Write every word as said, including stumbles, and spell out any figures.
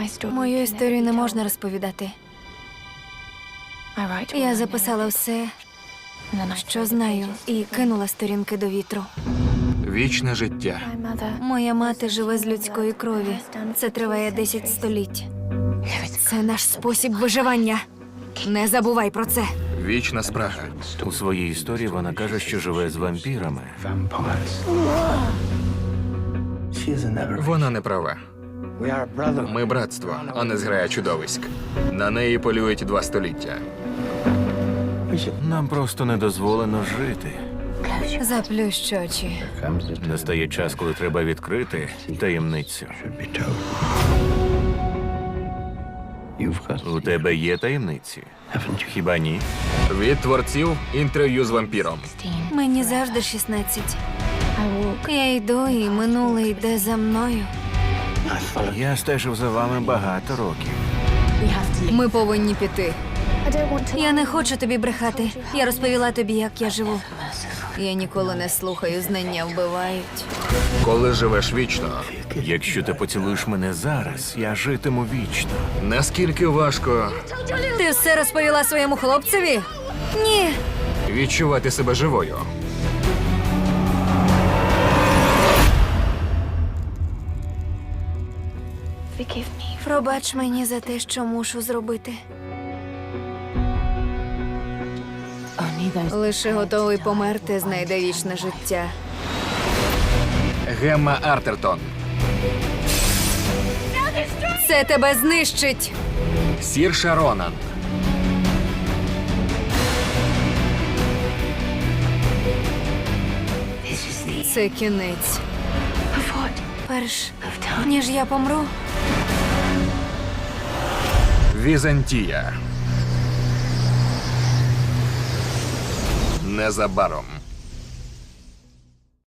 Мою історію не можна розповідати. Я записала все, що знаю, і кинула сторінки до вітру. Вічне життя. Моя мати живе з людської крові. Це триває десять століть. Це наш спосіб виживання. Не забувай про це. Вічна спрага. У своїй історії вона каже, що живе з вампірами. Вона не права. Ми братство, а не зграя чудовиськ. На неї полюють два століття. Нам просто не дозволено жити. Заплющ очі. Настає час, коли треба відкрити таємницю. У тебе є таємниці? Хіба ні? Від творців інтерв'ю з вампіром. Мені завжди шістнадцять. Я йду, і минуле йде за мною. Я стежив за вами багато років. Ми повинні піти. Я не хочу тобі брехати. Я розповіла тобі, як я живу. Я ніколи не слухаю, знання вбивають. Коли живеш вічно, Якщо ти поцілуєш мене зараз, я житиму вічно. наскільки важко Ти все розповіла своєму хлопцеві? Ні. відчувати себе живою. Пробач мені за те, що мушу зробити. Лише готовий померти знайде вічне життя. Гемма Артертон. Це тебе знищить! Сірша Ронан. Це кінець. Перш ніж я помру, Візантія. Незабаром.